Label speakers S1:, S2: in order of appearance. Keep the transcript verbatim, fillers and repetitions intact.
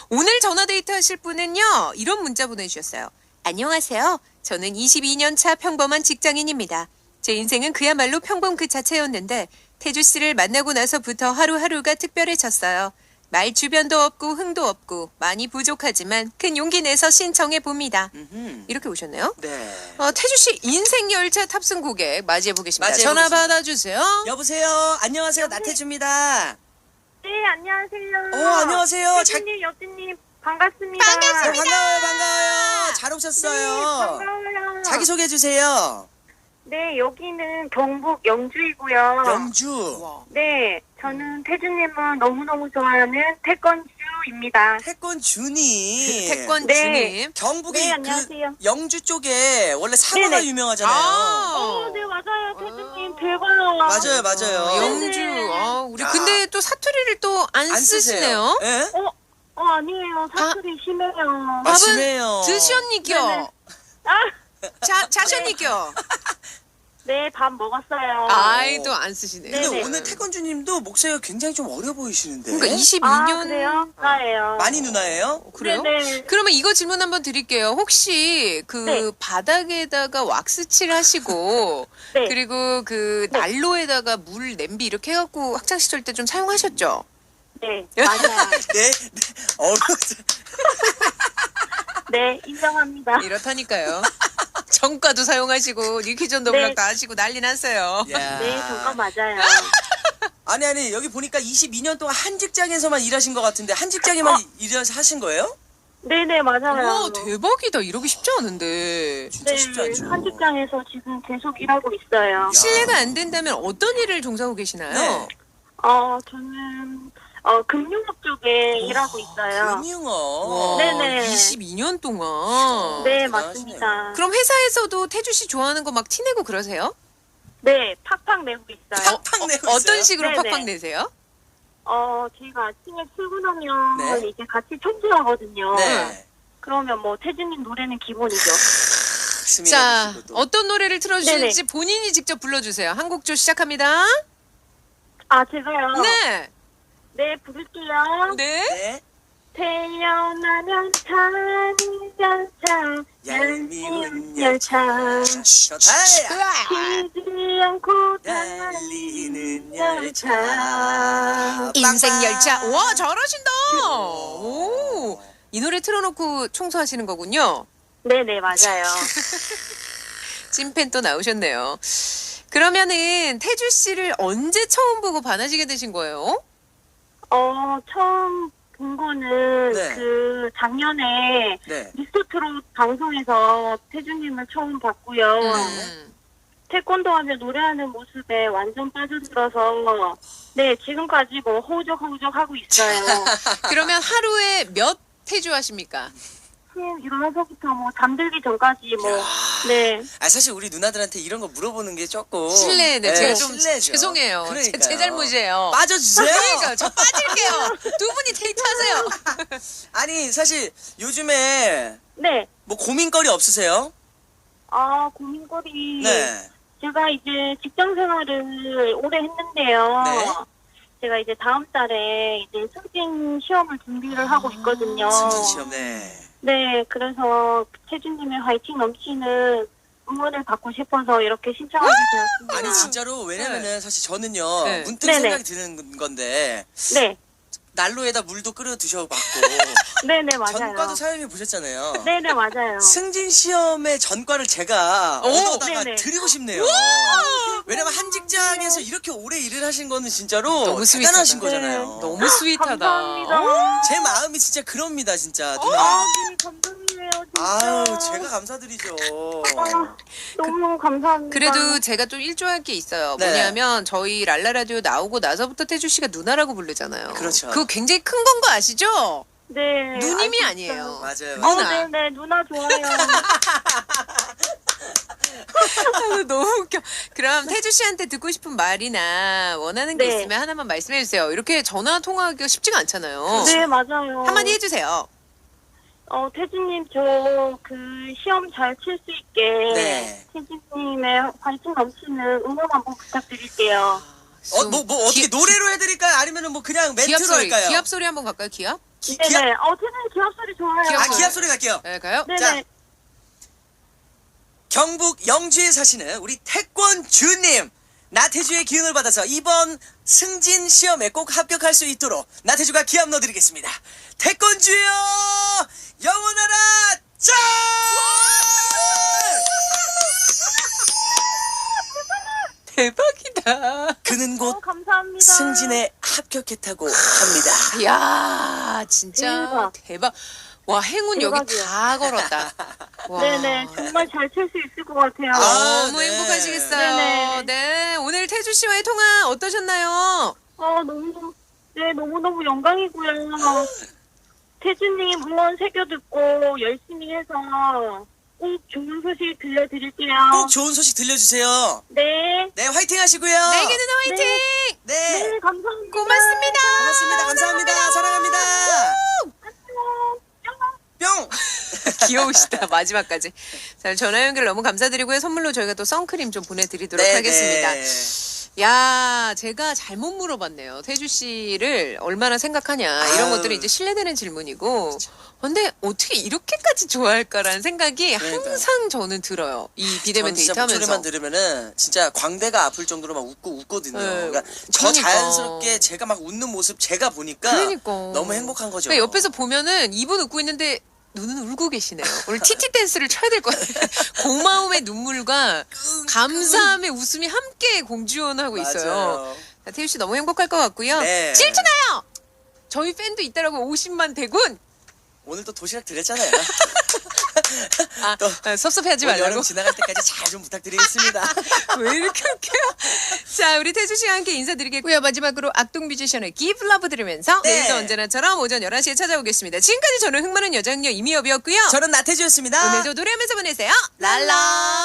S1: 오늘 전화데이트 하실 분은요. 이런 문자 보내주셨어요. 안녕하세요. 저는 이십이 년 차 평범한 직장인입니다. 제 인생은 그야말로 평범 그 자체였는데 태주 씨를 만나고 나서부터 하루하루가 특별해졌어요. 말 주변도 없고 흥도 없고 많이 부족하지만 큰 용기 내서 신청해 봅니다.
S2: 음흠.
S1: 이렇게 오셨네요.
S2: 네.
S1: 어, 태주 씨 인생 열차 탑승 고객 맞이해 보겠습니다.
S2: 맞이해
S1: 전화
S2: 보겠습니다.
S1: 받아주세요.
S2: 여보세요. 안녕하세요. 나태주입니다.
S3: 네, 안녕하세요.
S2: 어, 안녕하세요. 자-
S3: 태준님, 여진님, 반갑습니다.
S1: 반갑습니다.
S2: 네, 반가워요, 반가워요. 잘
S3: 네,
S2: 오셨어요.
S3: 반가워요.
S2: 자기 소개해 주세요.
S3: 네, 여기는 경북 영주이고요.
S2: 영주.
S1: 와.
S3: 네, 저는 태준님은 너무너무 좋아하는 태권주입니다.
S2: 태권 준이.
S1: 태권
S3: 네.
S1: 주님.
S2: 경북이
S3: 네,
S2: 그
S3: 안녕하세요.
S2: 영주 쪽에 원래 사과가
S3: 네네.
S2: 유명하잖아요.
S1: 아.
S3: 어, 네, 맞아요. 태준님,
S1: 어.
S3: 대박.
S2: 맞아요, 맞아요.
S1: 영주.
S3: 네.
S1: 아, 우리
S2: 야.
S1: 근데 또 사투리를 또 안
S2: 안
S1: 쓰시네요.
S2: 쓰세요. 예?
S3: 어, 어, 아니에요. 사투리 심해요.
S2: 아,
S1: 밥은
S2: 심해요.
S1: 드셨니겨?
S3: 네네. 아,
S1: 자, 자셨니겨?
S3: 네, 밥 먹었어요.
S1: 아이, 또 안 쓰시네요.
S2: 근데
S3: 네네.
S2: 오늘 태권주님도 목소리가 굉장히 좀 어려 보이시는데.
S1: 그러니까
S3: 아,
S1: 이십이 년.
S3: 그래요? 나예요.
S2: 많이 누나예요?
S1: 그래요?
S3: 네네.
S1: 그러면 이거 질문 한번 드릴게요. 혹시 그
S3: 네.
S1: 바닥에다가 왁스칠 하시고
S3: 네.
S1: 그리고 그
S3: 네.
S1: 난로에다가 물 냄비 이렇게 해갖고 학창 시절 때 좀 사용하셨죠?
S3: 네, 맞아요.
S2: 네, 네. 어려.
S3: 네, 인정합니다.
S1: 이렇다니까요. 정가도 사용하시고 니퀴전 더블락
S3: 네.
S1: 다 하시고 난리 났어요.
S2: 야.
S3: 네, 잠깐 맞아요.
S2: 아니 아니 여기 보니까 이십이 년 동안 한 직장에서만 일하신 것 같은데 한 직장에만
S3: 어.
S2: 일하신 하신 거예요?
S3: 네네, 맞아요.
S1: 와 대박이다. 이러기 쉽지 않은데.
S2: 진짜
S3: 네,
S2: 쉽지 않죠.
S3: 한 직장에서 지금 계속 일하고 있어요.
S1: 실례가 안 된다면 어떤 일을 종사하고 계시나요?
S2: 네.
S3: 어, 저는 어, 금융업 쪽에 일하고 있어요.
S2: 금융업.
S1: 와,
S3: 네네.
S1: 이십이 년 동안.
S3: 네,
S2: 대단하시네요.
S3: 맞습니다.
S1: 그럼 회사에서도 태주 씨 좋아하는 거 막 티내고 그러세요?
S3: 네, 팍팍 내고 있어요.
S2: 팍팍 내고
S1: 어, 어떤
S2: 있어요?
S1: 식으로
S3: 네네.
S1: 팍팍 내세요?
S3: 어, 제가 아침에 출근하면
S2: 네.
S3: 이제 같이 청소하거든요.
S2: 네.
S3: 그러면 뭐 태준님 노래는 기본이죠.
S2: 스미나
S1: 자,
S2: 씨도 또.
S1: 어떤 노래를 틀어주실지 본인이 직접 불러주세요. 한 곡조 시작합니다.
S3: 아, 제가요?
S1: 네.
S3: 네, 부를게요.
S1: 네.
S2: 네.
S3: 태어나면 타는 열차, 얄미운 열차.
S2: 좋다.
S3: 쉬지 않고
S2: 달리는
S3: 달리는
S2: 열차.
S3: 열차.
S1: 인생 열차. 와, 잘하신다. 오. 이 노래 틀어놓고 청소하시는 거군요.
S3: 네네, 맞아요.
S1: 찐팬 또 나오셨네요. 그러면은 태주 씨를 언제 처음 보고 반하시게 되신 거예요?
S3: 어, 처음 본 거는
S2: 네.
S3: 그 작년에
S2: 네.
S3: 미스터트롯 방송에서 태준님을 처음 봤고요.
S1: 음.
S3: 태권도 하며 노래하는 모습에 완전 빠져들어서 네, 지금까지 뭐 허우적허우적 하고 있어요.
S1: 그러면 하루에 몇 태주 하십니까?
S3: 음, 일어나서부터 뭐 잠들기 전까지 뭐 네.
S2: 아 사실 우리 누나들한테 이런 거 물어보는 게 조금
S1: 실례네. 제가 좀
S2: 실례죠.
S1: 죄송해요. 제,
S2: 그러니까요.
S1: 제 잘못이에요.
S2: 빠져주세요.
S1: 그러니까 저 빠질게요. 두 분이 데이트하세요.
S2: 아니 사실 요즘에
S3: 네.
S2: 뭐 고민거리 없으세요?
S3: 아, 고민거리.
S2: 네.
S3: 제가 이제 직장 생활을 오래 했는데요.
S2: 네.
S3: 제가 이제 다음 달에 이제 승진 시험을 준비를 하고 있거든요.
S2: 승진 시험. 네.
S3: 네, 그래서 태준님의 화이팅 넘치는 응원을 받고 싶어서 이렇게 신청하게 되었습니다.
S2: 아니 진짜로 왜냐면은 사실 저는요
S1: 네.
S2: 문득
S3: 네네.
S2: 생각이 드는 건데
S3: 네,
S2: 난로에다 물도 끓여 드셔봤고
S3: 네네, 맞아요.
S2: 전과도 사용해 보셨잖아요.
S3: 네네, 맞아요.
S2: 승진 시험의 전과를 제가
S1: 오,
S2: 얻어다가
S3: 네네.
S2: 드리고 싶네요. 왜냐면 한 직장에서 이렇게 오래 일을 하신 거는 진짜로
S1: 너무
S2: 대단하신
S1: 스윗하다.
S2: 거잖아요.
S3: 네.
S1: 너무 스윗하다.
S3: 감사합니다.
S2: 제 마음이 진짜 그럽니다, 진짜
S3: 아,
S2: 누나.
S3: 네, 감동이에요, 진짜.
S2: 아유, 제가 감사드리죠.
S3: 아, 너무 감사합니다.
S1: 그래도 제가 좀 일조할 게 있어요.
S2: 네.
S1: 뭐냐면 저희 랄라 라디오 나오고 나서부터 태주 씨가 누나라고 부르잖아요.
S2: 그렇죠.
S1: 그거 굉장히 큰 건 거 아시죠?
S3: 네.
S1: 누님이
S3: 알고
S1: 아니에요.
S3: 있어요.
S2: 맞아요.
S3: 어,
S1: 누나.
S3: 네네, 누나 좋아요.
S1: 아유, 너무 웃겨. 그럼 태주 씨한테 듣고 싶은 말이나 원하는 게
S3: 네.
S1: 있으면 하나만 말씀해 주세요. 이렇게 전화 통화하기가 쉽지가 않잖아요.
S3: 네, 맞아요.
S1: 한마디 해주세요.
S3: 어, 태진님, 저, 그, 시험 잘 칠 수 있게.
S2: 네.
S3: 태진님의 화이팅 넘치는 응원 한번 부탁드릴게요.
S2: 어, 뭐, 뭐, 어떻게
S1: 기-
S2: 노래로 해드릴까요? 아니면은 뭐 그냥
S1: 기합
S2: 멘트로
S1: 소리,
S2: 할까요?
S1: 기합 소리 한번 갈까요? 기합?
S2: 기,
S3: 네네.
S2: 기합,
S3: 어, 태준님 기합 소리 좋아요.
S1: 기합
S2: 아,
S1: 소리.
S2: 기합 소리 갈게요.
S1: 네, 가요.
S3: 네네.
S2: 자. 경북 영주에 사시는 우리 태권주님. 나태주의 기운을 받아서 이번 승진 시험에 꼭 합격할 수 있도록 나태주가 기합 넣어드리겠습니다. 태권주여 영원하라 짠!
S1: 대박이다.
S2: 그는 곧
S3: 어, 감사합니다.
S2: 승진에 합격했다고 합니다.
S1: 이야, 진짜
S3: 대박.
S1: 대박. 와, 행운 여기
S3: 대박이야.
S1: 다 걸었다. 와.
S3: 네네. 정말 잘 칠 수 있을 것 같아요.
S2: 아,
S1: 너무
S2: 네.
S1: 행복하시겠어요.
S3: 네네.
S1: 네, 오늘 태주 씨와의 통화 어떠셨나요?
S3: 어, 너무너무, 네, 너무너무 영광이고요. 태준님 응원 새겨 듣고 열심히 해서 꼭 좋은 소식 들려드릴게요.
S2: 꼭 좋은 소식 들려주세요.
S3: 네.
S2: 네, 화이팅 하시고요.
S1: 내게 누나 화이팅!
S2: 네,
S3: 네, 감사합니다.
S1: 고맙습니다.
S2: 고맙습니다. 감사합니다. 사랑합니다.
S3: 안녕.
S2: 뿅.
S1: 귀여우시다. 마지막까지. 자, 전화 연결 너무 감사드리고요. 선물로 저희가 또 선크림 좀 보내드리도록
S2: 네,
S1: 하겠습니다.
S2: 네.
S1: 야, 제가 잘못 물어봤네요. 태주 씨를 얼마나 생각하냐. 이런
S2: 아유.
S1: 것들이 이제 신뢰되는 질문이고. 근데 어떻게 이렇게까지 좋아할까라는 생각이
S2: 그러니까요.
S1: 항상 저는 들어요. 이 비대면
S2: 전 진짜
S1: 데이트하면서.
S2: 목소리만 들으면은 진짜 광대가 아플 정도로 막 웃고 웃거든요.
S1: 네.
S2: 그러니까 저
S1: 그러니까.
S2: 자연스럽게 제가 막 웃는 모습 제가 보니까
S1: 그러니까.
S2: 너무 행복한 거죠.
S1: 그러니까 옆에서 보면은 이분 웃고 있는데 눈은 울고 계시네요. 오늘 티티 댄스를 쳐야 될 것 같아요. 고마움의 눈물과 감사함의 웃음이 함께 공주원하고 있어요.
S2: 맞아요.
S1: 자, 태유 씨 너무 행복할 것 같고요.
S2: 네.
S1: 질투나요! 저희 팬도 있다라고 오십만 대군!
S2: 오늘 또 도시락 드렸잖아요.
S1: 아,
S2: 또
S1: 아, 섭섭해하지
S2: 올
S1: 말라고.
S2: 여름 지나갈 때까지 잘 좀 부탁드리겠습니다.
S1: 왜 이렇게 웃겨요? 자, 우리 태주 씨와 함께 인사드리겠고요. 마지막으로 악동 뮤지션의 Give Love 들으면서
S2: 네.
S1: 내일도 언제나처럼 오전 열한 시에 찾아오겠습니다. 지금까지 저는 흥많은 여장녀 이미엽이었고요.
S2: 저는 나태주였습니다.
S1: 오늘도 노래하면서 보내세요. 랄라.